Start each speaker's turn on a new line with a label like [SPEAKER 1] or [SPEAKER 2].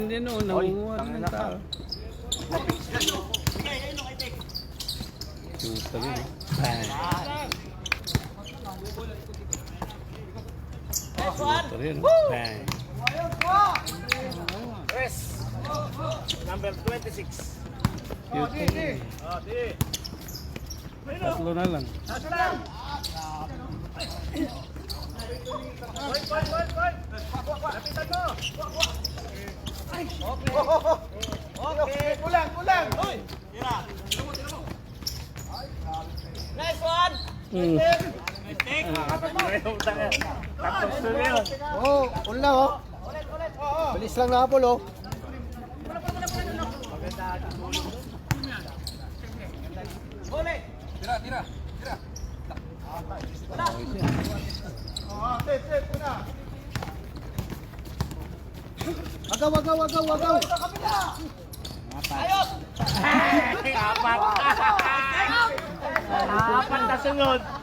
[SPEAKER 1] Hindi no, nangunguha ng tao. Chuta rin. Chuta rin. Bang.
[SPEAKER 2] Number 26.
[SPEAKER 1] Chuta rin. Tatlo na lang.
[SPEAKER 2] Okay, kulang. Nice one.
[SPEAKER 3] Oh, ulang oh. Bilis lang na Apol oh.
[SPEAKER 2] Tira.
[SPEAKER 3] Agaw.
[SPEAKER 2] Ayos! Apat! Apat na sunod!